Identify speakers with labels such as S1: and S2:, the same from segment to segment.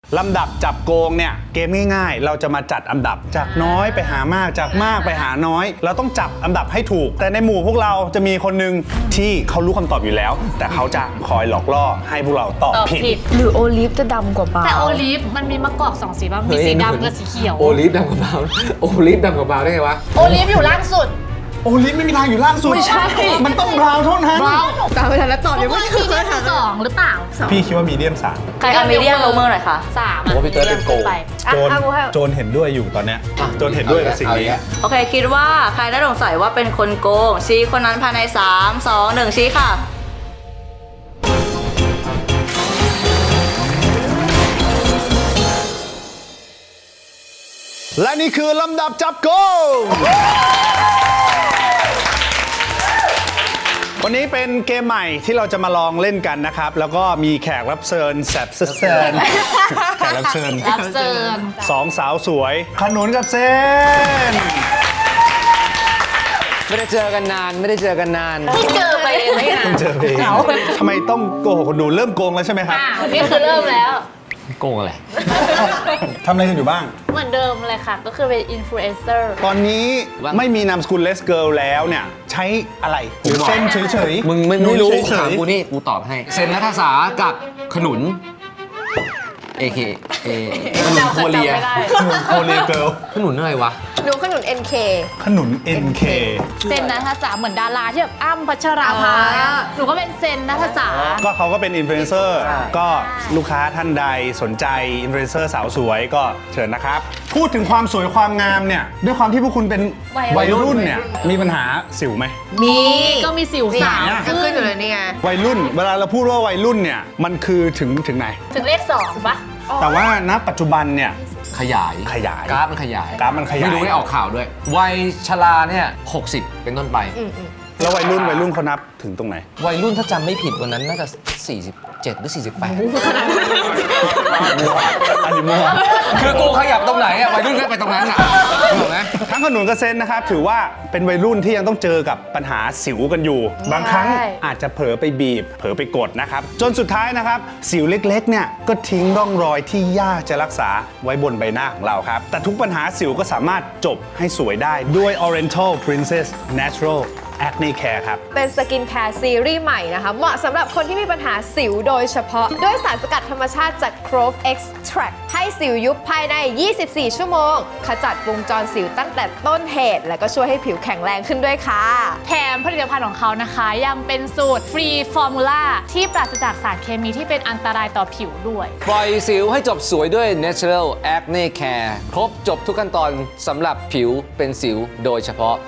S1: ลำดับจับโกงเนี่ยเกมง่ายๆเราจะมาจัดอันดับจากน้อยไปหามากจากมากไปหาน้อยเราต้องจับอันดับให้ถูกแต่ในหมู่พวกเราจะมีคนหนึ่งที่เขารู้คำตอบอยู่แล้วแต่เขาจะคอยหลอกล่อให้พวกเราตอบผิด
S2: หรือโอลิฟจะดำกว่าบราวน์
S3: แต่โอลิฟมันมีมะกอก2สีป่ะมีสีดำกับสีเขียว
S4: โอลิฟดำกับบราวน์โอลิฟดำกับบราวน์ได้ไงวะ
S3: โอลิฟอยู่ล่างสุด
S1: โอลิฟไม่มีทางอยู่ล่างสุดไม่ใช่มันต้องบราวน์เท่านั้น
S2: ตามไปทันแล้วตอบ
S3: ทุ
S2: ยั
S3: ก
S2: ง
S3: ค
S2: ไม่
S3: น
S2: เค
S3: มีเดีย
S2: ย
S3: ม
S2: ถาม
S3: 2หรือเปล่า
S1: พี่คิดว่ามีเดียม3
S5: ใครเอามีเดียมโรเมอร์หน่อยคะ
S3: 3
S4: ผมว่าพี่เติร์ดเป็นโกง
S3: ไป
S1: โจนโจนเห็นด้วยอยู่ตอนเนี้ยโจนเห็นด้วยกับสิ่งนี้
S5: โอเค คิดว่าใครน่าสงสัยว่าเป็นคนโกง ชี้คนนั้นภายใน 3 2 1 ชี้ค่ะ
S1: และนี่คือลำดับจับโกงวันนี้เป็นเกมใหม่ที่เราจะมาลองเล่นกันนะครับแล้วก็มีแขกรับเชิญแซบเซิร์นแขกรับเชิญ
S3: รับเซิร์น
S1: 2 สาวสวยขนุนกับเซน
S4: ไม่ได้เจอกันนานไม่ได้เจอกันนาน
S3: ที่เจอไปไม่นาน
S1: เจอเองทำไมต้องโกหกคนดูเริ่มโกงแล้วใช่ไหมครับ
S3: นี่คือเริ่มแล้ว
S4: โกงอะไร
S1: ทำอะไรกันอยู่บ้าง
S3: เหมือนเดิมเลยค่ะ ก็คือเป็นอินฟลูเอนเซอร์
S1: ตอนนี้ไม่มีนามสกุลเลสเกิร์ลแล้วเนี่ยใช้อะไรหรือเส้นเฉยๆ
S4: มึงไม่รู้
S1: เฉ
S4: ถาม
S1: ย
S4: กูนี่กูตอบให้ เซนนัทศากับขนุน AKA ขนุนโคเรีย
S3: จำไม่ได้
S1: ๆขนุนโคเรียเกิร์ล
S4: ขนุนอะไรวะ
S2: หนูขนุน NK
S1: ขนุน NK
S3: เซนนัทจ๋าเหมือนดาราที่แบบอ้ำพัชราภา
S2: อ่า
S3: หนูก็เป็นเซนนัทจ๋า
S1: ก็เขาก็เป็นอินฟลูเอนเซอร์ก็ลูกค้าท่านใดสนใจอินฟลูเอนเซอร์สาวสวยก็เชิญนะครับ พูดถึงความสวยความงามเนี่ยด้วยความที่พวกคุณเป็นวัยรุ่นเนี่ยมีปัญหาสิวไหม
S2: มี
S3: ก็มีสิวสาว
S2: ก็ขึ้นอยู่เลยนี่ไง
S1: วัยรุ่นเวลาเราพูดว่าวัยรุ่นเนี่ยมันคือถึงไหน
S3: ถึงเลข2ปะ
S1: แต่ว่าณปัจจุบันเนี่ย
S4: ขยาย
S1: ขยาย
S4: กราฟมันขยาย
S1: กราฟมันขยาย
S4: ไม่รู้ได้ออกข่าวด้วย วัยชราเนี่ย60 เป็นต้นไป
S1: แล้ววัยรุ่นเขานับถึงตรงไหน
S4: วัยรุ่นถ้าจำไม่ผิดวันนั้นน่าจะ 47 หรือ 48
S1: อันนี้มั่ว
S4: คือกูขยับตรงไหนอะวัยรุ่นก็ไปตรงนั้นอะถูกไหม
S1: ทั้งขนุนกับเซนนะครับถือว่าเป็นวัยรุ่นที่ยังต้องเจอกับปัญหาสิวกันอยู่ บางครั้งอาจจะเผลอไปบีบ เผลอไปกดนะครับจนสุดท้ายนะครับสิวเล็กๆเนี่ยก็ทิ้งร่องรอยที่ยากจะรักษาไว้บนใบหน้าของเราครับแต่ทุกปัญหาสิวก็สามารถจบให้สวยได้ด้วย Oriental Princess Natural Acne Care ครับ
S2: เป็นสกินแคร์ซีรีส์ใหม่นะคะ เหมาะสำหรับคนที่มีปัญหาสิวโดยเฉพาะ ด้วยสารสกัดธรรมชาติจาก Growth Extract ให้สิวยุบภายใน 24 ชั่วโมง ขจัดวงจรสิวตั้งแต่ต้นเหตุ และก็ช่วยให้ผิวแข็งแรงขึ้นด้วยค่ะ
S3: แถมผลิตภัณฑ์ของเขานะคะ ยังเป็นสูตรฟรีฟอร์มูล่าที่ปราศจากสารเคมีที่เป็นอันตรายต่อผิวด้วย
S4: ปล่อยสิวให้จบสวยด้วย Natural Acne Care ครบจบทุกขั้นตอนสำหรับผิวเป็นสิวโดยเฉพาะ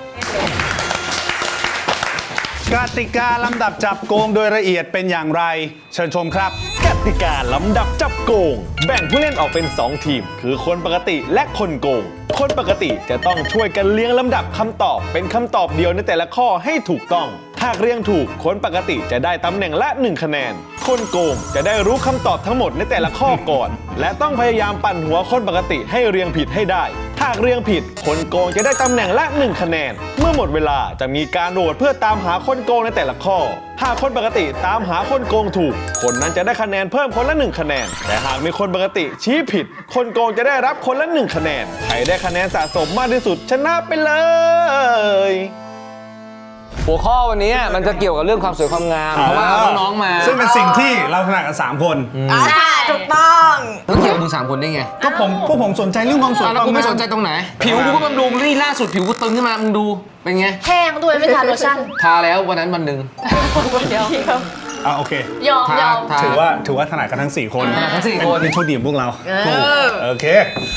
S1: กติกาลำดับจับโกงโดยละเอียดเป็นอย่างไร เชิญชมครับ
S6: กติกาลำดับจับโกง แบ่งผู้เล่นออกเป็น 2 ทีม คือคนปกติและคนโกง คนปกติจะต้องช่วยกันเรียงลำดับคำตอบเป็นคำตอบเดียวในแต่ละข้อให้ถูกต้อง หากเรียงถูกคนปกติจะได้ตำแหน่งละ 1 คะแนน คนโกงจะได้รู้คำตอบทั้งหมดในแต่ละข้อก่อน และต้องพยายามปั่นหัวคนปกติให้เรียงผิดให้ได้ หากเรียงผิด คนโกงจะได้ตำแหน่งละ 1 คะแนน เมื่อหมดเวลาจะมีการโหวตเพื่อตามหาคนโกงในแต่ละข้อ หากคนปกติตามหาคนโกงถูก คนนั้นจะได้คะแนนเพิ่มคนละ 1 คะแนน แต่หากมีคนปกติชี้ผิด คนโกงจะได้รับคนละ 1 คะแนน ใครได้คะแนนสะสมมากที่สุดชนะไปเลย
S4: หัวข้อวันนี้มันจะเกี่ยวกับเรื่องความสวยความงาม เพราะว่าเอาน้องๆมา
S1: ซึ่งเป็นสิ่งที่เราถนัดกัน3 คน
S2: ใช่ถูกต้อง
S4: ต้องเกี่ยวกับมึง3 คนได้ไง
S1: ก็พวกผมสนใจเรื่องความสวย
S4: แล้ว
S1: ความ
S4: กูไม่
S1: งา
S4: สนใจตรงไหน ผิวกูก็บำรุงนี่ล่าสุดผิวกูตึงขึ้นมา มึงดู เป็นไง
S3: แห้งด้วยไม่ทาโลชั่น
S4: ทาแล้ววันนั้นวันหนึ่ง
S3: เดียว
S1: โอเค
S3: ยอม
S4: ทาย
S3: อม
S4: ทา
S1: ถือว่าถนัดกันทั้ง 4 คน
S4: ทั้ง4 คน
S1: เป็นโชคดีของพวกเราโอเค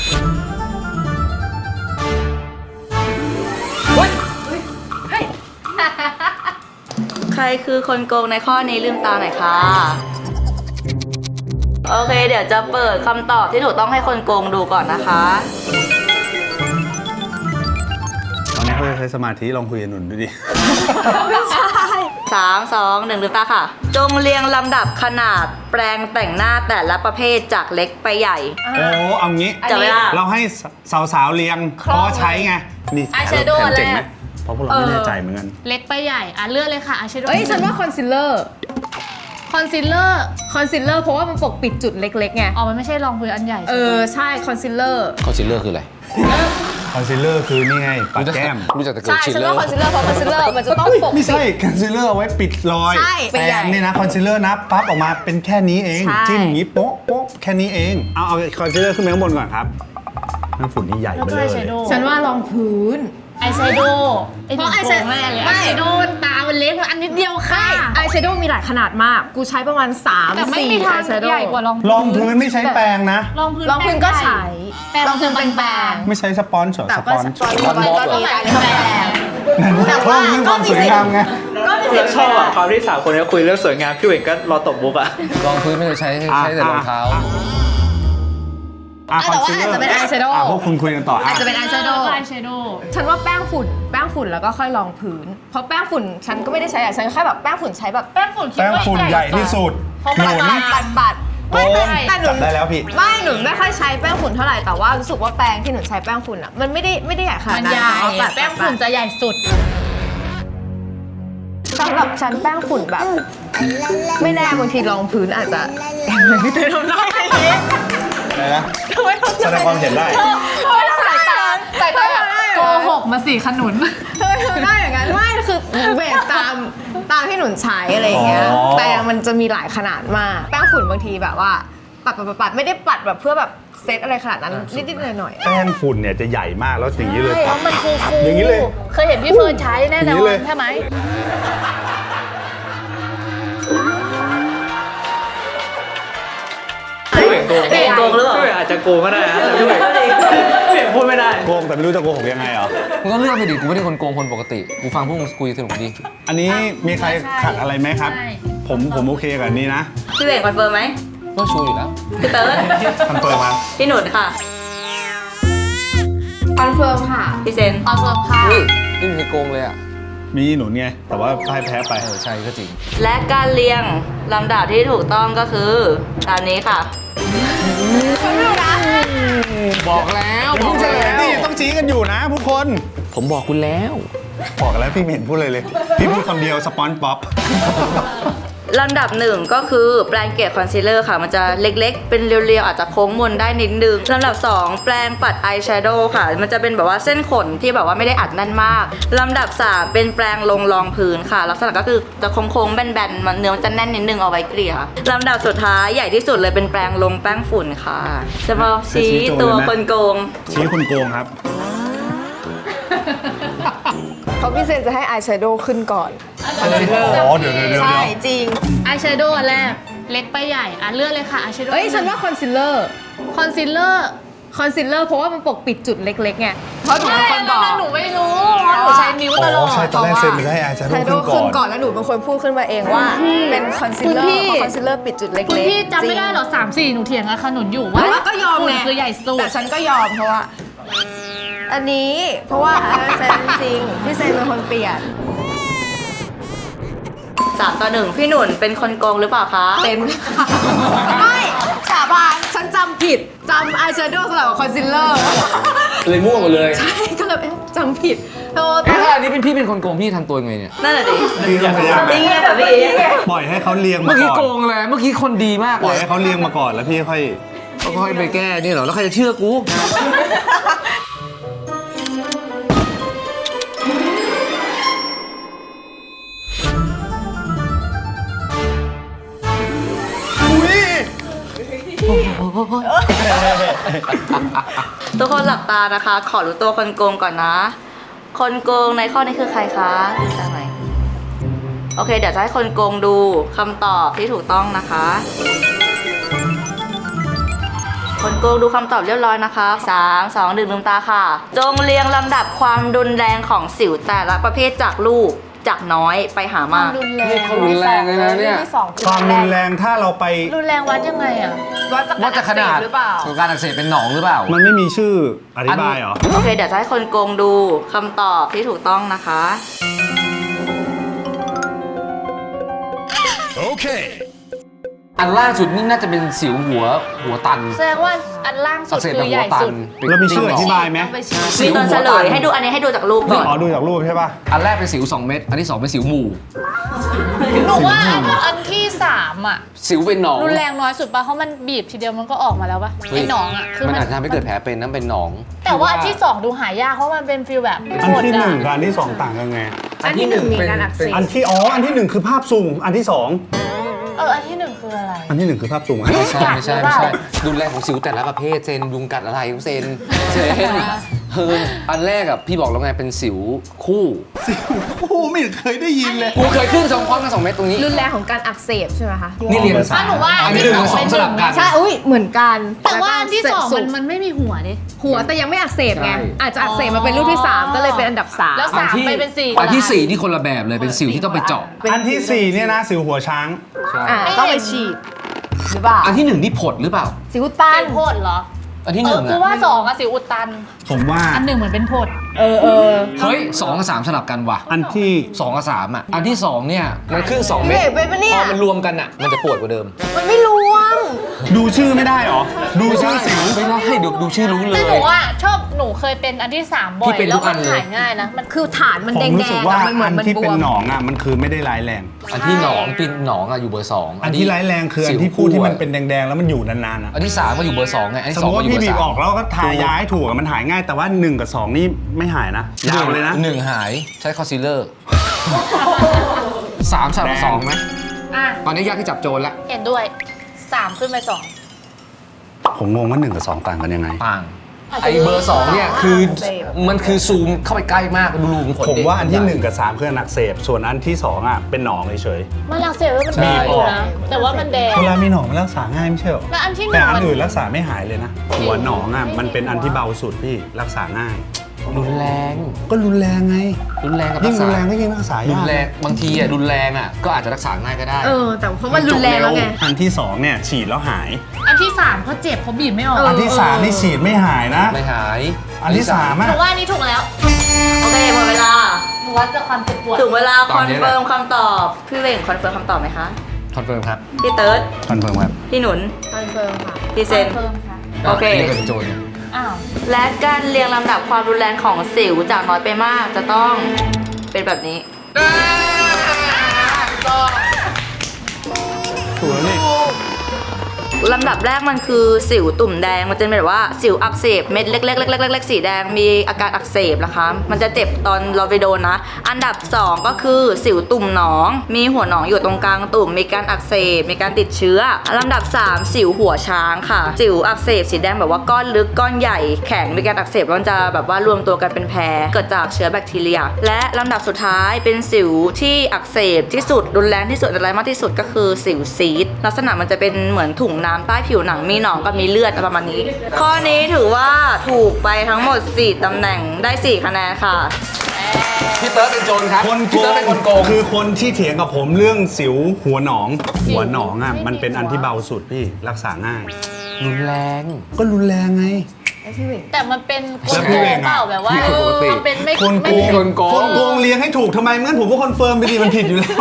S5: ใครคือคนโกงในข้อนี้ลืมตาหน่อยค่ะ โอเค เดี๋ยวจะเปิดคำตอบที่ถูกต้องให้คนโกงดูก่อนนะคะ
S1: ตอนนี้เขาจะใช้สมาธิลองคุยกับหนุนดูดิ
S5: 3 2 1ลืมตาค่ะ จงเรียงลำดับขนาดแปรงแต่งหน้าแต่ละประเภทจากเล็กไปใหญ่
S1: โอ้เอางี้
S5: จับเวลา
S1: เราให้สาวๆเรียงเพราะว่าใช้ไง นี่
S3: อายแชโดว์
S1: แถมเจ๋งไหม
S3: แรก
S1: เพราะพวกเราไม่แน่ใจเหมือนกัน
S3: เล็กไปใหญ่เลือกเลยค่ะอาชโด
S2: เอ้ย ฉันว่าคอนซีลเลอร์
S3: คอนซีลเลอร์
S2: คอนซีลเลอร์เพราะว่ามันปกปิดจุดเล็กๆไง
S3: อ๋อมันไม่ใช่รองพื้นอันใหญ่
S2: ใช่คอนซีลเลอร์
S4: คอนซีลเลอร์คืออะไร
S1: คอนซีลเลอร์คือนี่ไงปัดแก้ม
S4: รู้จักแต่เกิ
S2: ใช่
S4: ดชิล
S2: ฉัน
S4: เลอ
S2: ว่า
S4: ร์
S2: คอนซีลเลอร์เพราะคอนซีลเลอร์มันจะต้องปก
S1: ไม่
S2: ปิ
S1: ใช่
S2: ด
S1: คอนซีลเลอร์เอาไว้ปิดรอย
S2: ใช่
S1: แปรงนี่นะคอนซีลเลอร์นะปั๊บออกมาเป็นแค่นี้เอง
S2: ใช่
S1: จิ้มอย่างนี้โป๊ะโป๊ะแค่นี้เอง เอาคอนซีลเลอร์ขึ้นไปข้างบนก่อนครับน้ำฝุ่นนี่ใหญ่
S3: แล้ว
S1: ไป
S3: ก็
S1: เล
S3: อาย ยแชโดว์
S2: ฉันว่ารองพื้น
S3: อายแชโดว์
S2: เพราะอายแชโดว์
S3: แม่เลย
S2: ไม่
S3: อายแชโดว์ตามันเล็กมันอันนิดเดียวค่ะ
S2: อายแชโดว์มีหลายขนาดมาก กูใช้ประมาณ
S3: แต่ไม่มี
S2: 3-4
S3: ทา
S2: อาง ยแชโด
S3: ใหญ่
S2: ว์
S3: กว่ารอง
S1: รองพื้นไม่ใช้แปรงนะ
S3: รองพื้น
S2: รองพื้นก็ใช้
S3: แต่รองพื้นเป็นแปรง
S1: ไม่ใช้สปอนเซอร์
S2: แต่
S1: ส
S2: ก็
S1: ปอน
S2: สปอนก็มีหลายแบรนด์ แต่
S1: เพิ่
S2: ว่าม
S1: เรื่องความสวยงามไง
S2: ก็มี
S7: แล้วชอบอ่ะความที่สามคนนี้คุยเรื่องสวยงามพี่เหว่งก็รอตบมุกอ่ะ
S4: รองพื้นไม่ได้ใช้แต่รองเท้า
S2: แต่ว่าอาจจะเป็นอายแชโดว์
S1: พวกคุณคุยกันต่อ
S2: อาจจะเป็นอายแชโดว์
S3: อายแชโดว์
S2: ฉันว่าแป้งฝุ่นแล้วก็ค่อยรองพื้น เพราะแป้งฝุ่นฉันก็ไม่ได้ใช้ฉันแค่แบบแป้งฝุ่นใช้แบบ
S3: แป้งฝุ่นคิด
S1: แป้ง
S3: ว่า
S1: ฝุ่นใหญ่ที่สุดหนุน
S2: ปัด
S1: โก
S2: ไม่
S1: ง
S2: แต่หนุ
S1: จับ
S2: น
S1: ได้แล้วพี่
S2: ไม่หนุนไม่ค่อยใช้แป้งฝุ่นเท่าไหร่แต่ว่ารู้สึกว่าแป้งที่หนุนใช้แป้งฝุ่นอ่ะมันไม่ได้ใหญ่ขนาด
S3: มัน
S2: นั้น
S3: ใหญ่
S2: เอาปัด
S3: แป้งฝุ่นจะใหญ่สุด
S2: สำหรับฉันแป้งฝุ่นแบบ ไม่แน่บางทีรองพื้นอาจจะไม่ได้ทำได้เลย
S1: อะไรนะแสดงความเห็นได้
S2: สายตาแบบ
S3: โกหกมาสี่ขนุน
S2: เธอทำได้อย่างนั้นไม่คือเบสตามที่หนุนใช้อะไรอย่างเงี้ย
S1: อ๋อ
S2: แป้งมันจะมีหลายขนาดมากแป้งฝุ่นบางทีแบบว่าปัดไม่ได้ปัดแบบเพื่อแบบเซตอะไรขนาดนั้นนิดๆหน่อยๆ
S1: แป้งฝุ่นเนี่ยจะใหญ่มากแล้วอย่างนี้เลย
S3: ใช่มันฟู
S1: อย่างนี้เลย
S3: เคยเห็นพี่เฟิร์นใช้แน่น
S1: อย่างนี้
S3: อน
S1: เลย
S3: ใช่ไหม
S7: พี่เหว่งโกง
S5: พี่เหว่งโกงหรือเปล่า
S7: พี่เหว่งอาจจะโกงก็ได้นะแต่พี่เหว่งพูดไม่ได้
S1: โกงแต่ไม่รู้จะโกหกยังไงเหรอ
S4: มึงก็เลือกไปดิ กูไม่ได้คนโกงคนปกติ กูฟังพวกมึงคุยสนุกดี
S1: อันนี้มีใครขัดอะไรไหมครับ
S3: ใช่
S1: ผมโอเคกับอันนี้นะ
S5: พี่เหว่งคอนเฟิร์มไหม
S4: ก็ชูอยู่แล้ว
S5: พี่เติร์ด
S1: คอนเฟิร์มมา
S5: พี่หนุนค่ะ
S2: คอนเฟิร์มค่ะ
S5: พี่เซน
S3: คอนเฟิร์มค่ะ
S4: เฮ้ยนี่มึงเคยโกงเลยอ่ะ
S1: มีหนุนไง แต่ว่าพ่ายแพ้ไป
S4: ใช่ก็จริง
S5: และการเรียงลำดับที่ถูกต้องก็คือตามนี้ค่ะ
S4: บอกแล้ว
S1: ผมเฉลยนี่ต้องชี้กันอยู่นะทุกคน
S4: ผมบอกคุณแล้ว
S1: บอกแล้วพี่ไม่เห็นพูดเลยเลย พี่พูดคำเดียวสปอนป๊อป
S5: ลำดับหนึ่งก็คือแปรงเกล็ดคอนซีลเลอร์ค่ะ มันจะเล็กๆ เป็นเรียวๆ อาจจะโค้งมนได้นิดนึงลำดับ 2 แปรงปัดอายแชโดว์ค่ะ มันจะเป็นแบบว่าเส้นขนที่แบบว่าไม่ได้อัดแน่นมากลำดับ 3 เป็นแปรงลงรองพื้นค่ะ ลักษณะก็คือจะโค้งๆแบนๆมันเนื้อมันจะแน่นนิดนึงเอาไว้เกลี่ยลำดับสุดท้ายใหญ่ที่สุดเลยเป็นแปรงลงแป้งฝุ่นค่ะจะมาชี้ตัวคนโกง
S1: ชี้คนโกงครับ
S2: เขาพิเศษจะให้อายแชโดว์ขึ้นก่อน
S1: อ๋อเดี๋ยว
S2: ใช่จริง
S3: อายแชโดว์อันแรก เล็กไปใหญ่ อ่ะเลือกเลยค่ะอายแชโดว์
S2: เอ้ยฉันว่าคอนซีลเลอร์
S3: คอนซีลเลอร์
S2: เพราะว่ามันปกปิดจุดเล็กๆไงเพราะหนูเป็นคนบอก
S3: หนูไม่รู้เพราะหนูใช้นิ้วตลอด
S1: ใช่ตอนแรกเซนไปให้อาจารย์
S2: แชโด
S1: ขึ้น
S2: ว์
S1: ก่อน
S2: ขึ้นก่อนแล้วหนูเป็นคนพูดขึ้นมาเองว่าเป็นคอนซีลเลอ
S3: คุณพี่
S2: ร์เพราะคอนซีลเลอร์ปิดจุดเล็กๆ
S3: คุณพี่จำไม่ได้เหรอ3-4 หนูเถียงกับขนุนอยู่
S2: แต่
S3: ว่า
S2: ว่าก็ยอม
S3: ฝุ่น
S2: ไง
S3: คือใหญ่สุด
S2: แต่ฉันก็ยอมเพราะว่า อันนี้เพราะว่าเซนจริงพี่เซนเป็นคนเปลี่ยน
S5: 3-1 พี่หนุนเป็นคนโกงหรือเปล่าคะ
S2: เป็นไม่สาบานฉันจำผิดจำอายแชโดว์สลับกับคอนซีลเลอร์
S4: เลยมั่วหมดเลย
S2: ใช่ก็เลยจำผิดโทษ
S4: ถ้าอันนี้เป็นพี่เป็นคนโกงพี่ทำตัวยังไงเนี่ย
S5: นั่นแหละดิ
S1: พี่ต้องพยายาม
S5: นี่ไงแบบพี่
S1: ปล่อยให้เขาเรียง
S4: เมื่
S1: มา
S4: อกี้
S1: ก่
S4: โก
S1: อน
S4: งเลยเมื่อกี้คนดีมาก
S1: ปล่
S4: เล
S1: อย
S4: ย
S1: ให้เขาเรียงมาก่อนแล้วพี่ค่อย
S4: ก็ค่อยไปแก้นี่เหรอ แล้วใครจะเชื่อกู
S5: ทุกคนหลับตานะคะ ขอรู้ตัวคนโกงก่อนนะ คนโกงในข้อนี้คือใครคะได้ไหมโอเค เดี๋ยวจะให้คนโกงดูคำตอบที่ถูกต้องนะคะ คนโกงดูคำตอบเรียบร้อยนะคะ 3 2 1 ลืมตาค่ะ จงเรียงลำดับความรุนแรงของสิวแต่ละประเภทจากรูปจากน้อยไปหามาก
S3: รุนแรง
S4: นี่เขารุนแรงเลยนะเนี่ย
S1: ความรุนแรงถ้าเราไป
S3: รุนแรงวัดยังไงอ่ะ
S4: ว่าจะขนาด
S2: หรือเปล่า
S4: ของการอักเสบเป็นหนองหรือเปล่า
S1: มันไม่มีชื่ออธิบายเหรอ
S5: โอเค เดี๋ยวจะให้คนโกงดูคำตอบที่ถูกต้องนะคะ
S1: โอเค
S4: อันล่าสุดนี่น่าจะเป็นสิวหัวตัน
S3: แสดงว่าอันล่างสุ
S4: อั
S3: ด
S4: กเสบ
S3: คื
S4: แบบ
S3: อให
S4: หัว
S3: ญ่
S4: ตั
S3: สุ
S4: น
S3: ด
S1: แล้วมีชื่ออธิบายไหม
S3: ต้องไปชี้
S4: สิ
S5: มี
S4: ว
S5: ตอน
S4: หั
S5: เฉ
S4: ว
S5: ล
S4: ตัน
S5: ยให้ดูอันนี้ให้ดูจากรูปก่อน
S1: อ๋อดูจากรูปใช่ป่ะ
S4: อันแรกเป็นสิว 2 เม็ดอันที่ 2 เป็นสิวหมู่
S3: หนูว่าอันที่ 3 อ่ะ
S4: สิวเป็นหนอง
S3: รุนแรงน้อยสุดป่ะเพราะมันบีบทีเดียวมันก็ออกมาแล้วป่ะ
S4: เฮ้ย
S3: ไอ้หนองอ่ะคือ
S4: มันอาจจะทำให้เกิดแผลเป็นนั่นเป็นหนอง
S3: แต่ว่าอันที่ 2 ดูหายากเพราะมันเป็นฟีลแบบ
S1: อันที่
S3: กด
S1: 1
S3: อะ
S1: กับอันที่ 2 ต่างกันไง
S2: อันที่ 1 มีการอักเสบ
S1: อันที่ 1 คือภาพสูงอันที่ 2
S3: อันที่ 1 คืออะไร
S1: อันที่ 1 คือภาพสูง
S4: ไม่ใช่
S3: กัด
S4: ไม่ใช่
S3: หรือเป
S4: ไม่
S3: ล่า
S4: ใช่รุนแรงของสิวแต่ละประเภทเซนยุงกัดอะไรเซนอันแรกอะพี่บอกแล้วไงเป็นสิวคู่
S1: คู่ไม่เคยได้ยินเลย
S4: กูเคยขึ้น2 พร้อมกัน 2 เม็ดตรงนี้
S2: รุนแรงของการอักเสบใช่ไหมคะ
S4: นี่เรียน
S3: ถ้าหนูว่า
S4: อัน
S3: อัน
S4: ที่
S3: ที่
S4: 1 กับ
S3: 2
S4: 2สลับกัน
S2: ใช่ อุ้ยเหมือนกัน
S3: แต่ว่าอันที่
S2: แล้วก็
S3: 2 มันไม่มีหัวดิ
S2: หัวแต่ยังไม่อักเสบไง
S4: ใช่
S2: อาจจะอักเสบมาเป็นรูปที่ 3 ก็เลยเป็นอันดับ 3
S3: แล้ว 3 ไปเป็น 4
S4: อันที่ 4 นี่คนละแบบเลยเป็นสิวที่ต้องไปเจาะ
S1: อันที่ 4 เนี่ยนะสิวหัวช้าง
S2: ต้องไปฉีดหรือเปล่า
S4: อันที่ 1 นี่ผดหรือเปล่า
S2: สิวตัน
S3: เป็นโพดเหรอ
S4: อันที่
S3: กู
S4: 1
S3: ว่า2อะสิวอุดตัน
S1: ผมว่า
S3: อัน 1 เหมือนเป็นโพด
S2: เออ
S4: เฮ้ย2 กับ 3 สลับกันว่ะ
S1: อันที่
S4: 2 กับ 3อ่ะอันที่ 2 เนี่ยมันขึ้น 2 เม็ด
S2: เด็กไปปะเนี่ย
S4: พอมันรวมกันอ่ะมันจะปวดกว่าเดิม
S2: มันไม่รวม
S1: ดูชื่อไม่ได้หรอ ดูชื่อสิว
S4: ไม่ได้ดูชื่อรู้เล
S3: แต่
S4: ย
S3: หนูอะชอบหนูเคยเป็นอันที่ 3 บ่อ
S4: พี่
S3: ย
S4: เป็นทุ
S3: แล้ว
S4: กอั
S3: มัน น
S4: เลย
S3: หายง่ายนะ มัน
S2: คือฐานมัน
S1: ผ
S2: แด
S1: ม
S2: ง
S1: รู้สึก
S2: ๆ
S1: ว่า
S2: อะมันเหมือ
S1: อั
S2: น
S1: น
S2: มัน
S1: ที่
S2: บ
S1: เป็น
S2: วม
S1: หนองอ่ะมันคือไม่ได้ร้ายแรง
S4: อันที่เป็นหนองอ่ะอยู่เบอร์ 2
S1: อันที่ร้ายแรงคืออันที่พูดที่มันเป็นแดงๆแล้วมันอยู่นานๆอ่ะ
S4: อันที่ 3 ก็อยู่เบอร์ 2 ไงอัน
S1: ส
S4: ที่
S1: มม
S4: 2
S1: ติ
S4: ก็
S1: ว่า
S4: อยู่เบ
S1: พี่
S4: อ
S1: บีบ
S4: ร์
S1: ออกแล้วก็ทายาให้ถูกอะมันหายง่ายแต่ว่า 1 กับ 2 นี่ไม่หายนะยาวเลยนะ
S4: 1หายใช้คอนซีลเลอร์ 3 สลับ
S1: แดง
S4: 2ไหม
S3: อ่ะ
S4: ตอนนี้ยากที่จับโจรละ
S3: เห็นด้วย 3 ขึ้นไป 2
S1: ผมงงว่า 1 กับ 2 ต่างกันยังไง
S4: ต่างไอเบอร์ 2 เนี่ยคือมันคือซูมเข้าไปใกล้มากดูรูขุมขน
S1: ผม
S4: ดิ
S1: ว่าอันที่ 1 กับ 3 คืออักเสบส่วนอันที่ 2 อ่ะเป็นหนองเฉย
S3: มันอักเสบแล้วมันแดงอยู่นะ แต่ว่ามันแดง
S1: ๆเวลามีหนองมันรักษาง่ายไม่ใช่หรอ
S3: แล้วอันที่
S1: แต่อัน
S3: 1
S1: อื่นรักษาไม่หายเลยนะหัวหนองอ่ะมันเป็นอันที่เบาสุดพี่รักษาง่าย
S4: รุนแรง
S1: ก็รุนแรงไง
S4: รุนแรงกับ
S1: ยิ่
S4: รั
S1: ง
S4: ก
S1: รุ
S4: ษาน
S1: แรงก็ยิ่งรักษา
S4: รุ
S1: ยาก
S4: นแรงบางทีอ่ะรุนแรงอ่ะก็อาจจะรักษาง่ายก็ได้
S2: แต่เพราะมันรุนแรงแล้วไง
S1: อันที่ 2 เนี่ยฉีดแล้วหาย
S3: อันที่ 3เขาเจ็บเขาบีบไม่ออก
S1: อันที่ 3 นี่ฉีดไม่หายนะ
S4: ไม่หาย
S1: อันที่ 3
S3: ห
S1: อ่ะ
S3: นูว่าอันนี้ถูกแล้ว
S5: โอเคหมดเวลา
S3: หนูวัดจากความเจ็บปวด
S5: ถึงเวลา
S4: ต
S5: ค
S4: อ
S5: อน น
S4: นี้แหละ
S5: เฟิร์มคำตอบ พี่เวงคอนเฟิร์มคำตอบไหมคะ
S4: คอนเฟิร์มครับ
S5: พี่เติร์ด
S1: คอนเฟิร์มครับ
S5: พี่หนุน
S2: คอนเฟิร์มค่ะ
S5: พี่เซน
S3: เพิ่มค่ะ
S5: โอเค
S4: เรียกกันเป็นโจรเนี่ย
S3: อ้าว
S5: และการเรียงลำดับความรุนแรงของสิวจากน้อยไปมากจะต้องเป็นแบบนี้
S1: ถูกแล้วนี่
S5: ลำดับแรกมันคือสิวตุ่มแดงมันจะเป็นแบบว่าสิวอักเสบเม็ดเล็กๆๆๆๆสีแดงมีอาการอักเสบนะคะมันจะเจ็บตอนเราไปโดนนะ อันดับ 2 ก็คือสิวตุ่มหนอง มีหัวหนองอยู่ตรงกลางตุ่มมีการอักเสบมีการติดเชื้อลำดับ 3 สิวหัวช้างค่ะ สิวอักเสบสีแดงแบบว่าก้อนลึกก้อนใหญ่แข็งมีการอักเสบแล้วมันจะแบบว่ารวมตัวกันเป็นแผลเกิดจากเชื้อแบคทีเรีย และลำดับสุดท้ายเป็นสิวที่อักเสบที่สุดรุนแรงที่สุดอะไรมากที่สุดก็คือสิวซีดลักษณะมันจะเป็นเหมือนถุงน้ำใต้ผิวหนังมีหนองกับมีเลือดประมาณนี้ ข้อนี้ถือว่าถูกไปทั้งหมด 4 ตำแหน่งได้ 4 คะแนนค่ะ
S4: พี่เติร์ดเป็นโจรครับ
S1: คนโก
S4: พี่เติร์ดเป็นคนโกง
S1: คือคนที่เถียงกับผมเรื่องสิวหัวหนอง หัวหนองอ่ะมันเป็นอันที่เบาสุดพี่รักษาง่าย
S4: รุนแรง
S1: ก็รุนแรงไง
S3: แต่มันเป็น
S1: แล้วพี่เวงอะ
S3: เปล่าแบบว่า
S4: พี่คนปกติ
S3: มันเป็นไม่
S1: คนโก
S3: ไม่
S1: ง
S4: คนโกง
S1: คนโกงเลี้ยงให้ถูกทำไมงั้นผมก็คอนเฟิร์มไปดิมันผิดอยู่แล้ว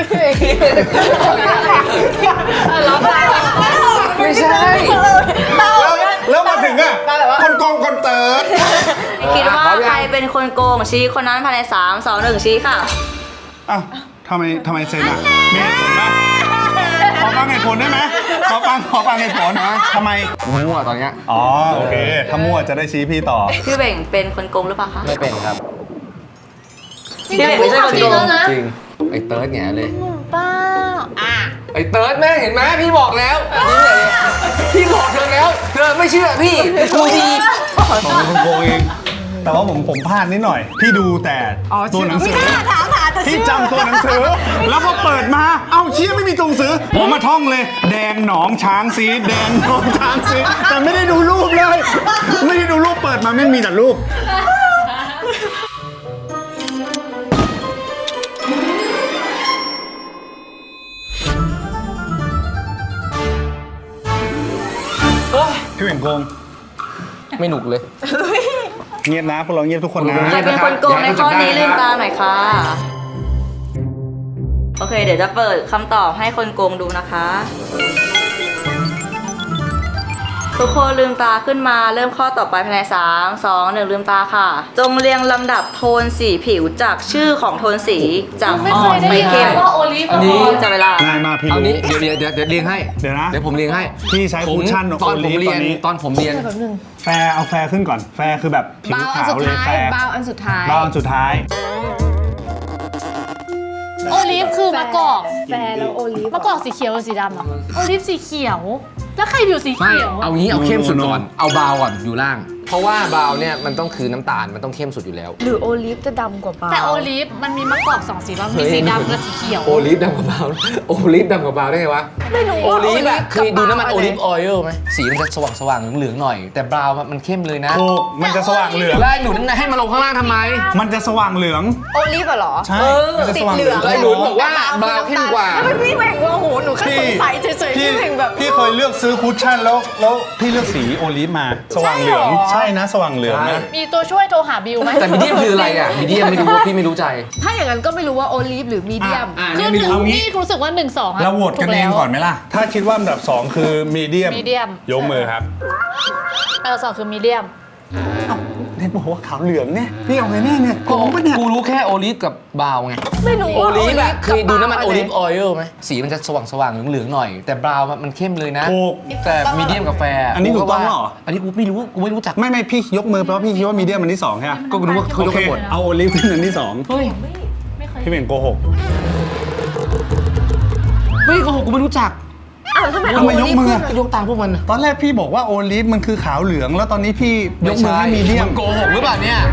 S4: ไม่ใช่
S1: แล้วมาถึงอ่ะคนโกงคนเติร์ด
S5: คิดว่าใครเป็นคนโกงชี้คนนั้นภายใน 3 2 1 ชี้ค่ะ
S1: อ้าวทำไมเซนอ่ะมีเหตุผลปะขอฟังเหตุผลได้ไหมขอฟังเหตุผลนะทำไม
S4: มั่วตอนเนี้ย
S1: อ๋อโอเคถ้ามั่วจะได้ชี้พี่ต่อ
S5: พี่เบ่งเป็นคนโกงหรือเปล่าคะ
S4: ไม่เป็นครับ
S5: พี่เบ่งไม่ใช่คนโกง
S4: จริงไอ้เติร์ดแง่เลย
S3: เปล่าอ่ะ
S4: ไอ้เติร์ดแม่เห็นไหมพี่บอกแล้วนี่เลยพี่บอกเธอแล้ว เธอไม่เชื่อพี่ดูดี
S1: ผมเป็นคนโกงเอง แต่ว่าผมพลาดนิดหน่อย พี่ดูแต่ตัวหนังสือพี่จำตัวหนังสือ แล้วพอเปิดมา เอ้าเชี่ยไม่มีตัวหนังสือ ผมมาท่องเลย แดงหนองช้างซีดแดงหนองช้างซีดแต่ไม่ได้ดูรูปเลย ไม่ได้ดูรูปเปิดมาไม่มีแต่รูป พี่เหว่งโกง
S4: ไม่หนุกเลย
S1: เงียบนะพวกเราเงียบทุกคนนะ
S5: ใครเป็นคนโกงในข้อนี้ลืมตาหน่อยค่ะโอเค เดี๋ยวจะเปิดคำตอบให้คนโกงดูนะคะ ทุกคนลืมตาขึ้นมาเริ่มข้อต่อไปภายใน3 2 1ลืมตาค่ะ จงเรียงลำดับโทนสีผิวจากชื่อของโทนสีจาก
S3: ไม่
S5: อ่
S3: เค
S5: อน
S3: ยได้
S5: ไป
S3: ยิน
S5: เข้ม
S3: ว่าโอลิฟ
S4: อันนี้
S5: จับเวลา
S1: ง่ายมากพี่
S4: เอา
S1: รู้
S4: นี้เดี๋ยวเรียงให้
S1: เดี๋ยวนะ
S4: เดี๋ยวผมเรียงให้
S1: พี่ใช้คุชชั่น
S4: ตอนผม
S1: โอลิฟ
S4: เรียน
S1: ตอนนี้
S4: ตอนผมเรียน
S1: แฟร์เอาแฟร์ขึ้นก่อน แฟร์คือแบบผิว
S2: บาวอัน
S1: ขาว
S2: สุด
S1: เลย
S2: ท้าย
S1: แฟร์
S2: บาวอันสุดท้าย
S1: บาวอันสุดท้าย
S3: โอลิฟคือมะกอก
S2: แฟร์แล้วโอลิฟ
S3: มะกอกสีเขียวหรือสีดำอ่ะโอลิฟสีเขียว แล้วใครผิวสี
S4: ไม่
S3: เขียว
S4: เอางี้เอาเข้มสุดก่อน เอาบาวก่อนอยู่ล่าง เพราะว่าบาวเนี่ยมันต้องคือน้ำตาล มันต้องเข้มสุดอยู่แล้ว
S2: หรือโอลิฟจะดำกว่าบาว
S3: แต่โอลิฟมันมีมะกอกสองสีป่ะมีสีดำกับสีเขียว
S4: โอลิฟดำกับบาวโอลิฟดำกับบาวได้ไงวะ
S2: ไม่รู้
S4: โอ
S2: ว่า
S4: ลิฟอะเคยดูน้ำมันโอลิฟ
S2: กับ
S4: ออยล์ไหมสีมันจะสว่างเหลืองๆหน่อย แต่บราวน์มันเข้มเลยนะ
S1: ถูก มันจะสว่างเหลือง
S4: แล้วไอ้หนูนั่นให้มาลงข้างล่างทำไม
S1: มันจะสว่างเหลือง
S2: โอลิฟอะเหรอ
S1: ใช่มันจะสว่างเหลือง
S4: แล้วไอ้หนูบอกว่าบราวน์เข้มกว่า
S2: แล้วมันพี่แหว่งว่าโหหนูแค่สงสัยเฉยๆพี่แหว่งแบบ
S1: พี่เคยเลือกซื้อคุชชั่นแล้วพี่เลือกสีโอลิฟมา สว่างเหลือง ใช่นะสว่างเหลืองนะ
S3: มีตัวช่วยโทรหาบิวไหม
S4: แต่มีเดียมคืออะไรอ่ะมีเดียมไม่รู้พี่ไม่รู้ใจ
S2: ถ้าอย่างนั้นก็ไม่รู้ว่าโอลิฟหรือมีเดียม
S3: คือหนึ่ง
S1: เอางี้
S3: พี่รู้สึกว่า1 2
S1: เราโหวตกันเองก่อนไหมล่ะ ถ้าคิดว่าอันดับ 2 คือมีเดียม
S3: medium
S1: ยกมือครับ
S3: สองคือมีเดียม
S1: เนี่ยบอกว่าขาวเหลืองเนี่ย พี่เอาไงแน่เนี่ยโกงปะเนี่ย
S4: กูรู้แค่โอลิฟกับบราวน์ไง
S2: ไม่รู้
S4: โอ
S2: ว่า
S4: ลิฟอะ
S2: กับ
S4: เคยดูน้ำมันโอลิฟ
S2: บาว
S4: ออยล์ไหมสีมันจะสว่างเหลืองๆหน่อย แต่บราวน์มันเข้มเลยนะ
S1: ถูก
S4: แต่มีเดียมกับแฟร์
S1: อันนี้ถูกต้องเหรอ
S4: อันนี้กูไม่รู้จัก
S1: ไม่พี่ยกมือเพราะพี่คิดว่ามีเดียมอันที่2ใช่ไหม
S4: ก็รู้ว่าเขายก
S1: โอเค
S4: กันหมด
S1: เอาโอลิฟเป็นอันที่
S3: เฮ้ยไม่เคย
S1: 2 พี่เป็นโกหก
S4: ไม่โกหกกูไม่รู้จัก
S2: อ้าวทำไม
S1: ทำไมยกมือ
S4: ยกตามพวกมัน
S1: ตอนแรกพี่บอกว่าโอลิฟมันคือขาวเหลือง แล้วตอนนี้พี่ยกมือให้มีเดียม
S4: นโกหกหรือเปล่าเนี่ย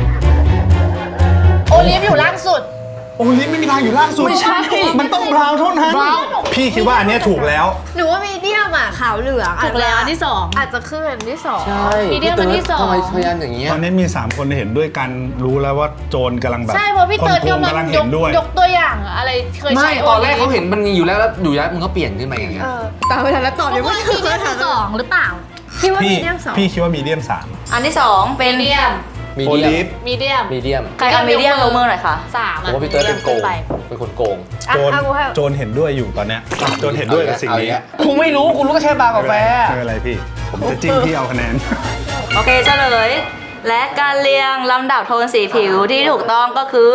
S3: โอลิฟอยู่ล่างสุด
S1: โอลิฟไม่มีทางอยู่ล่างสุด
S4: ไม่ใช่
S1: มันต้องบราวน์เท่านั้น
S4: บราวน์
S1: พี่คิดว่าอันเนี้ยถูกแล้ว
S2: หนูว่ามีเดียมอะขาวเหลือง
S3: ถูกแล้วอันที่สอง
S2: อาจจะขึ้นอันที่สอง
S3: มีเดียมอันที่สอง
S4: ทำไมพยานอย่างเงี้ย
S1: ตอนนี้มี 3 คนเห็นด้วยกันรู้แล้วว่าโจรกำลังแบบ
S3: ใช่เพราะพี่เติร์ด
S1: คนโกง
S3: กำลัง
S1: เห็นด้วย
S3: ยกตัวอย่างอะไรเคย
S4: ไม่
S3: ใช้
S4: ตอนแรกเขาเห็นมันมีอยู่แล้วอยู่แล้วมึงก็เปลี่ยนขึ้นมาอย่างเงี้ย
S2: ตามไปทันแล้วตอบ
S3: ทุ
S2: ยั
S3: ก
S2: ง
S3: ค
S2: ไม่
S3: น
S2: ถู
S3: มี
S2: ก
S3: เดียมสองหรือเปล่า
S2: คิดว่า
S1: พี่
S2: มีเดียมสอง
S1: พี่คิดว่ามีเดียม
S5: อันที่2เป็น
S3: มีเดียม
S4: มี
S1: 3โอ
S4: เดีย
S1: ลิฟ
S4: ม
S3: มีเดียม
S4: มีเดียม
S5: ใครเอามีเดียมยกมือหน่อยค่ะ
S3: สาม
S4: ผมว่าพี่เติร์ดเป็นโกง
S3: ไป
S4: เป็นคนโกง
S2: อ่ะ
S1: โจร
S2: เอากูให้
S1: โจรเห็นด้วยอยู่ตอนเนี้ยโจรเห็นด้วยกับสิ่งนี้
S4: กูไม่รู้กูรู้ก็แค่บาร์กาแฟ
S1: ไม่เป็นไรพี่ ผมจะจิ้มพี่เอาคะแนน
S5: โอเคเฉลย และการเรียงลำดับโทนสีผิวที่ถูกต้องก็คือ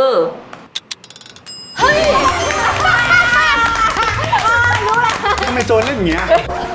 S1: ทำไมโจรเล่นอย่างเงี้ย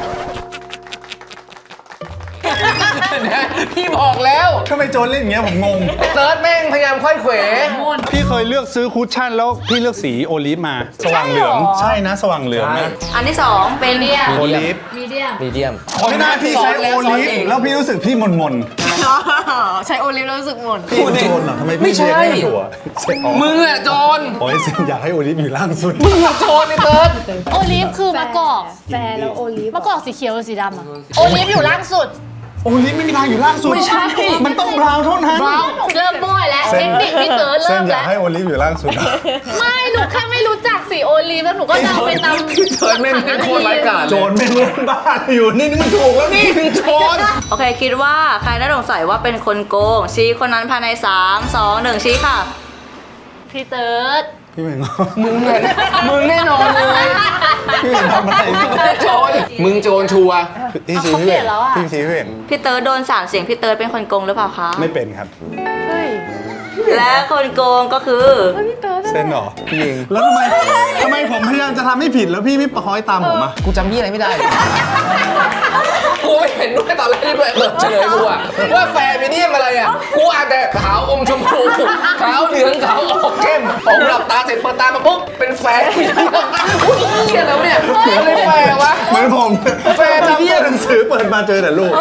S4: พี่บอกแล้ว
S1: ทำไมโจรเล่นอย่างเงี้ยผมงง
S4: เติร์ดแม่งพยายามค่อยเขว
S1: พี่เคยเลือกซื้อคุชชั่นแล้วพี่เลือกสีโอลิฟมา สว่างเหลือง ใช่นะสว่างเหลืองนะ
S5: อันที่2เป็น
S3: มีเดียม
S1: โอลิฟ
S3: มีเดียม
S4: มีเดียม
S1: ไม่น่าพี่ใช้โอลิฟแล้วพี่รู้สึกพี่มน
S2: ใช้โอลิฟแล้วรู้สึกหม่น
S1: ๆพี่เป็นโจรเหรอทำไม
S4: ไม่
S1: พี่
S4: ใช่
S1: เรียนไม่ถูกอะเซ็ตอ๋อ
S4: มึงอะโจร
S1: โอ้ยเซ็นอยากให้โอลิฟอยู่ล่างสุด
S4: มึงอะโจรไอ้เติร์ด
S3: โอลิฟคือมะกอก
S2: แฟร์แล้วโอลิฟ
S3: มะกอกสีเขียวหรือสีดำอะโอลิฟอยู่ล่างสุด
S1: โอลิฟไม่มีทางอยู่ล่างสุด
S4: ไม่ใช่
S1: มันต้องบราวน์เท่านั้น
S3: เริ่มบ่อยแล้วเทคนิคพี่เติร์ด
S1: เส้
S3: เริ่
S1: น
S3: ม
S1: อยา
S3: แล้
S1: ก
S3: ว
S1: ให้โอลิฟอยู่ล่างสุดอะ
S3: ไม่หนูแค่ไม่รู้จักสีโอลิฟแล้วหนูก็เดาไปตาม
S4: เติร์ดแม่งเป็นโคตรไร้กาจ
S1: โจรไม่รู้บ้านอยู่นี่มันถูกแล้วนี่
S4: โจร
S5: โอเคคิดว่าใครน่าสงสัยว่าเป็นคนโกง ชี้คนนั้นภายใน 3 2 1 ชี้ค่ะ
S3: พี่เติร์ด
S1: พี่เหม่ง
S4: มึงอะมึงแน่นอนเลย
S1: พี่เหม่งทำอะไรพี่
S4: โจรมึงโจรชัวร์
S1: พี่ชี้พี่เหม่งพี่ชี้พี่เหม่ง
S5: พี่เติร์ดโดน3เสียงพี่เติร์ดเป็นคนโกงหรือเปล่าคะ
S1: ไม่เป็นครับ
S5: และคนโกงก็คือ
S1: เส้นเหรอพี่เองแล้วทำไมผมพยายามจะทำให้ผิดแล้วพี่ไม่คอยตามผมอ่ะ
S4: กูจำพี่อะไรไม่ได้เลยกูไม่เห็นด้วยตอนแรกที่เปิดเฉลยกูอะว่าแฟร์มีเดียมอะไรอะกูอ่านแต่ขาวอมชมพูขาวเหลืองขาวออกเข้มผมหลับตาเสร็จเปิดตามาปุ๊บเป็นแฟร์มีเดียมอุ้ยเหี้ยแล้วเนี่ยอะไรแฟร์วะ
S1: เหมือนผม
S4: แฟนจำ
S1: พี่หนังสือเปิดมาเจอแต่รูป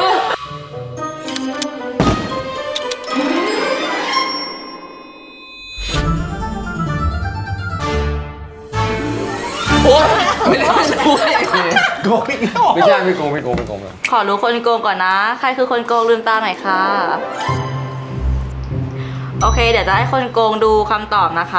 S4: โอ๊ยไม่ได้รู้ไง
S1: โกงอีกแล้ว
S4: ไม่ใช่ไม่โกงเลย
S5: ขอรู้คนโกงก่อนนะ ใครคือคนโกงลืมตาหน่อยค่ะ โอเค เดี๋ยวจะให้คนโกงดูคำตอบนะคะ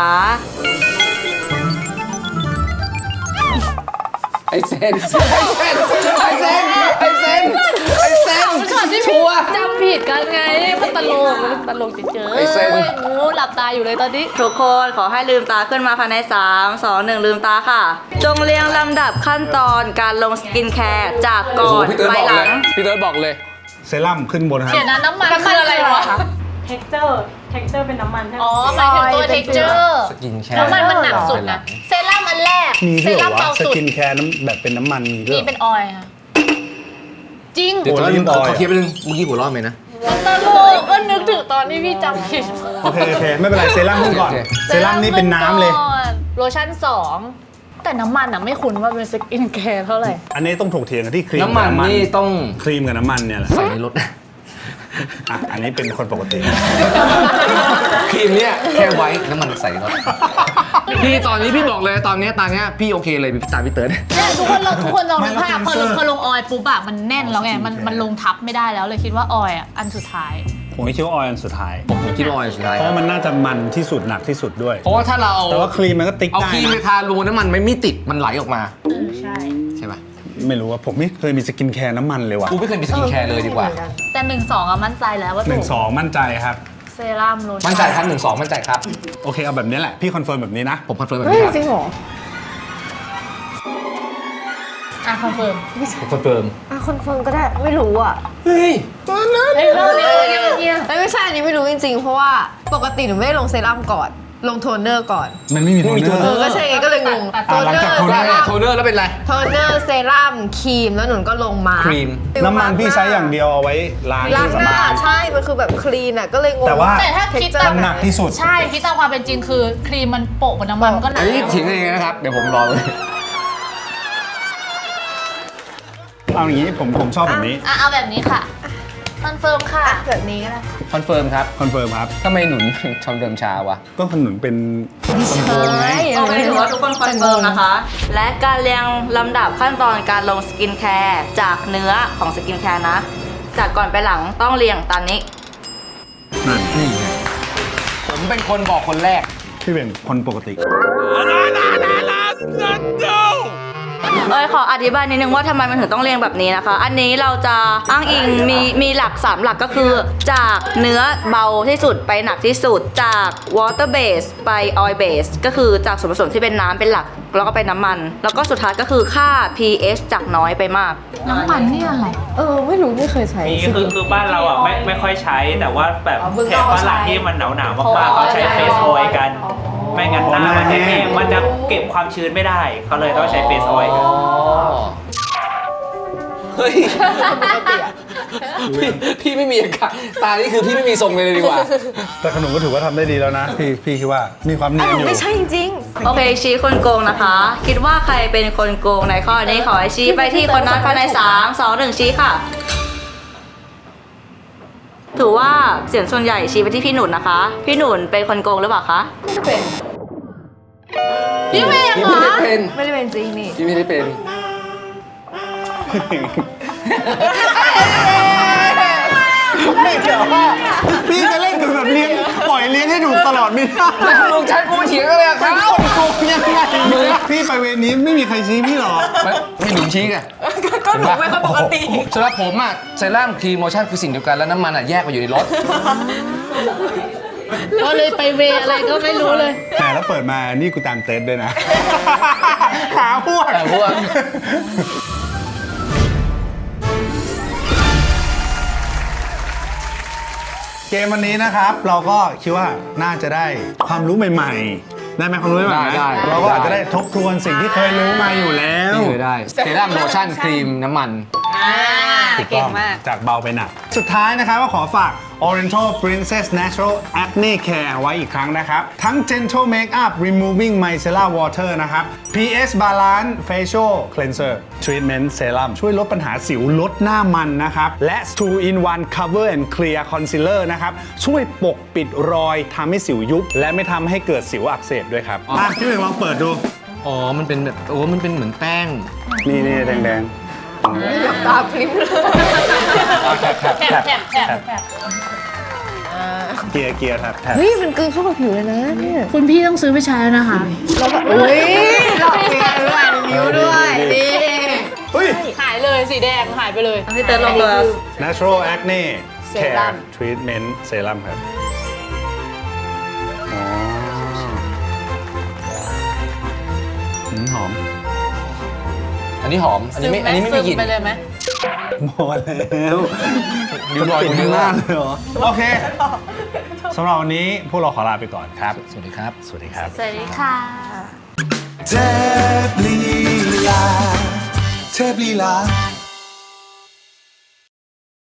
S4: ไอเซนชัวร์
S3: จำผิดกันไงมันตลกตลกเฉย
S4: ไอ้เส้น
S3: ๆงูหลับตาอยู่เลยตอนนี้
S5: ทุกคนขอให้ลืมตาขึ้นมาภายใน 3 2 1 ลืมตาค่ะ จงเรียงลำดับขั้นตอนการลงสกินแคร์จากก่
S4: โอ้โห
S5: อน
S4: พี่เติร์ด
S5: ไป
S4: บอก
S5: ห
S4: เล
S5: ลั
S4: ย
S5: ง
S4: พี่เติร์ดบอกเลย
S1: เซรั่มขึ้นบนครับ
S3: เดี๋ยวนะน้ำมันคืออะไรวะ
S8: texture เป็นน้ำมันใช่ไหม
S3: อ๋อหมายถึงตัว texture
S4: สกินแคร์
S3: น้ำมันมันหนักสุดนะ เซรั่มอันแรก
S1: มี
S3: เซ
S1: ด้วยเหร
S3: รั่
S1: อ
S3: ม
S1: วะ
S3: เบา
S1: ส
S3: สุด
S1: กินแคร์น้ำแบบเป็นน้ำมันมีด้วย
S3: มี
S1: เหรอ
S3: เป็นออยล์ค่ะจริง
S4: เดี๋ยว
S1: โอ้
S4: ตอน
S1: ลิ้
S4: นี้
S1: นออย
S4: ขอคิดไปนึงเมื่อกี้หัวเราะไหมนะ
S3: ตลกก็นึกถึงตอนที่พี่จำผิด
S1: โอเคโอเคไม่เป็นไรเซรั่มขึ้นก่อน
S4: โอเค
S1: เซรั่มนี่เป็นน้ำเลย
S3: โลชั่น2 แต่น้ำมันอ่ะไม่คุ้นว่าเป็นสกินแคร์เท่าไหร่
S1: อันนี้ต้องถกเถียงกันที่ครีม
S4: น้ำมัน
S1: กับ
S4: นี่ต้อง
S1: ครีมกับน้ำมันเนี่ยแหละ
S4: ใส่ในรถ
S1: อ่ะอันนี้เป็นคนปกติ
S4: ครีมเนี่ยแค่ไว้น้ำมันใส่ในรถพี่ตอนนี้พี่บอกเลยตอนเนี้ยพี่โอเคเลยพี่ตามพี่เติร์ด
S3: เนี่ยทุกคนลอง
S1: ไม่
S3: นึกภาพ
S1: แล้ว
S3: พอลงออยล์ปุ๊บอะมันแน่นแล้วไงมันลงทับไม่ได้แล้วเลยคิดว่าออยล์อะอันสุดท้าย
S1: ผมคิดว่าออยล์อันสุดท้าย
S4: ผมคิดว่าออยล์สุดท้าย
S1: เพราะมันน่าจะมันที่สุดหนักที่สุดด้วย
S4: เพราะว่าถ้าเราเอา
S1: แต่ว่าครีมมันก็ติ๊ก
S4: เอา
S1: ได้
S4: ครีมไป
S1: นะ
S4: ทารูน้ำมันไม่ติดมันไหลออกมา
S3: ใช่
S4: ใช่ปะ
S1: ไม่รู้ว่าผมไม่เคยมีสกินแคร์น้ำมันเลยว่ะ
S4: กูไม่เคยมีสกินแคร์เลยดีกว่า
S3: แต่1-2อะมั่นใจแล้วว่า
S1: ห
S3: ถู
S1: นึ่ง
S3: ก
S1: สองมั่นใจครับ
S3: เซรั่มโลชั่น
S4: มั่นใจครับ1-2มั่นใจครับ
S1: โอเคเอาแบบนี้แหละพี่คอนเฟิร์มแบบนี้นะ
S4: ผมคอนเฟิร์มแบบนี้ครับ
S2: จริงเหรอ
S3: อ่ะคอนเฟิร์ม
S4: ผมคอนเฟิร์ม
S2: อ่ะคอนเฟิร์มก็ได้ไม่รู้อ่ะ
S4: เฮ้ย
S2: ไม่ใช่อันนี้ไม่รู้จริงๆ เพราะว่าปกติหนูไม่ได้ลงเซรั่มก่อน ลงโทนเนอร์ก่อน
S1: มันไม่มีโทนเนอร์
S2: ก็ใช่ไงก็เลยงง
S1: หลังจากโทน
S2: เซ
S1: เนอร์
S2: รั่ม
S4: โทนเนอร์แล้วเป็นไร
S2: โทนเนอร์เซรั่มครีมแล้วหนูก็ลงมา
S4: ครีม
S1: น้ำมันพี่ใช้อย่างเดียวเอาไว้ล้าง
S2: ล้า
S1: เค
S2: ง
S1: รื่อง
S2: ห
S1: สำ
S2: น้า
S1: อาง
S2: ใช่ มันคือแบบคลีนอ่ะก็เลยงง
S1: แต่ว่า
S3: แต่ถ้าคิด
S2: texture
S3: ตาม
S1: มันหนักที่สุด
S3: ใช่คิดตามความเป็นจริงคือครีมมันโปะบนน้ำมันมันก็หนั
S4: อั
S3: ก
S4: นนี้ถิงเองนะครับ เดี๋ยวผมรอเลย
S1: เอาอย่างนี้ผมชอบแบบนี้
S3: อ่ะเอาแบบนี้ค่ะคอนเฟิร์มค่ะ
S2: แบบนี้ก็ได้
S4: คอนเฟิร์มครับ
S1: คอนเฟิร์มครับ
S4: ทำไมหนุนชมเดิมชาวะ
S1: ก็ขนุนเป็นคอนโทรลไง
S5: โอเคถือว่าทุกคนคอนเฟิร์มนะคะ และการเรียงลำดับขั้นตอนการลงสกินแคร์จากเนื้อของสกินแคร์นะ จากก่อนไปหลังต้องเรียงตามนี้
S1: นั่น
S4: นี่ไงผมเป็นคนบอกคนแรก
S1: พี่เป็นคนปกติ
S5: ขออธิบายนิดนึงว่าทำไมมันถึงต้องเรียงแบบนี้นะคะ อันนี้เราจะอ้างอิงมีหลัก 3 หลักก็คือ จากเนื้อเบาที่สุดไปหนักที่สุด จาก water base ไป oil base ก็คือจากส่วนผสมที่เป็นน้ำเป็นหลัก แล้วก็ไปน้ำมัน แล้วก็สุดท้ายก็คือค่า pH จากน้อยไปมาก
S3: น้ำมันนี่อะไร
S2: ไม่รู้ไม่เคยใช้
S7: มีคือบ้านเราอ่ะไม่ค่อยใช้แต่ว่าแบบแถบฝรั่งที่มันหนาวๆมากๆเขาใช้เฟสออยล์กัน ไม่งั้นหน้ามันจะแห้งมันจะเก็บความชื้นไม่ได้เขาเลยต้องใช้เฟสออยล์กัน
S4: เฮ้ย พี่ไม่มีอาการตานี่คือพี่ไม่มีทรงเลยดีกว่า
S1: แต่ขนุนก็ถือว่าทำได้ดีแล้วนะ พี่คิดว่ามีความเนียนอยู่
S2: ไม่ใช่จริง
S5: โอเคชี้คนโกงนะคะ คิดว่าใครเป็นคนโกงในข้อนี้ขอให้ชี้ไปที่คนนั้นภายใน 3 2 1 ชี้ค่ะ ถือว่าเสียงส่วนใหญ่ชี้ไปที่พี่หนุนนะคะ พี่หนุนเป็นคนโกงหรือเปล่าคะ
S3: พี่เมย์
S4: พี่
S3: เหร
S4: ไม่
S3: อ
S4: ได้เป็น
S2: ไม่ได้เป็นจริงนี่
S4: พี่ไม่ได้เป็น
S1: ไม่เดี๋ยวว่าพี่จะเล่นแบบเลี้ยงปล่อยเลี้ยงให้ถูกตลอดไม่ได้
S4: แล้วมึงใช้กูเถียงอะไรกับเขา
S1: โกงยังไงพี่ไปเวรนี้ไม่มีใครชี้พี่หรอก
S4: ไม่หนุนชี้ไงก็หนูไม่ค่อยปกติสำหรับผมอะเซรั่มครีมโลชั่นคือสิ่งเดียวกันแล้วน้ำมันอะแยกไปอยู่ในรถ
S3: ก็เลยไปเวอะไรก็ไม่รู้เลย
S1: แต่แล้วเปิดมานี่กูตามเต็ดด้วยนะ หาพวก
S4: หาพวก
S1: เกมวันนี้นะครับ เราก็คิดว่าน่าจะได้ความรู้ใหม่ๆ ได้ไหมความรู้ใหม่ๆ
S4: ได้
S1: เราก็อาจจะได้ทบทวนสิ่งที่เคยรู้มาอยู่แล้ว
S4: นี่เลยได้เซรั่มโลชั่นครีมน้ำมัน
S1: ถูกต้องจากเบาไปหนัก สุดท้ายนะครับก็ขอฝาก Oriental Princess Natural Acne Care ไว้อีกครั้งนะครับ ทั้ง Gentle Makeup Removing Micellar Water นะครับ PS Balance Facial Cleanser Treatment Serum ช่วยลดปัญหาสิวลดหน้ามันนะครับ และ 2-in-1 Cover and Clear Concealer นะครับ ช่วยปกปิดรอยทำให้สิวยุบ และไม่ทำให้เกิดสิวอักเสบด้วยครับพี่หนึ่งลองเปิดดู
S4: อ๋อ มันเป็นแบบโอ้มันเป็นเหมือนแป้ง
S1: นี่แดง
S2: ตาพริ้มเลย
S1: ๆแท็บ
S3: แถบ
S1: เกียร์แท็บ
S2: เฮ้ยมันกลืนเข้ากับผิวเลยนะเนี่ย
S3: คุณพี่ต้องซื้อไปใช้แล้วนะคะ
S2: แล้วก็อุ้ยหลอกเกลือด้วยนิ้วด้วยนี่
S1: เฮ้ย
S3: หายเลยสีแดงหายไปเลย
S5: พี่เติร์ดลงเลย
S1: Natural Acne
S2: เซรั่ม
S1: ทรีทเมนต์เซรั่มครับอ๋อหอม
S4: อันนี้หอม อันนี้ไม่มีกลิ่น
S3: ไปเลยไหม
S1: หมดแล้ว
S4: ริ้วรอย
S1: ติด
S4: เย
S1: ข้าง
S4: อะ
S1: หน้าเลยเหรอ โอเคสำหรับวันนี้พวกเราขอลาไปก่อนครับ
S4: สวัสดีครับ
S1: สวัสดีครับ
S3: สวัสดีค่ะ
S9: เทพลีลา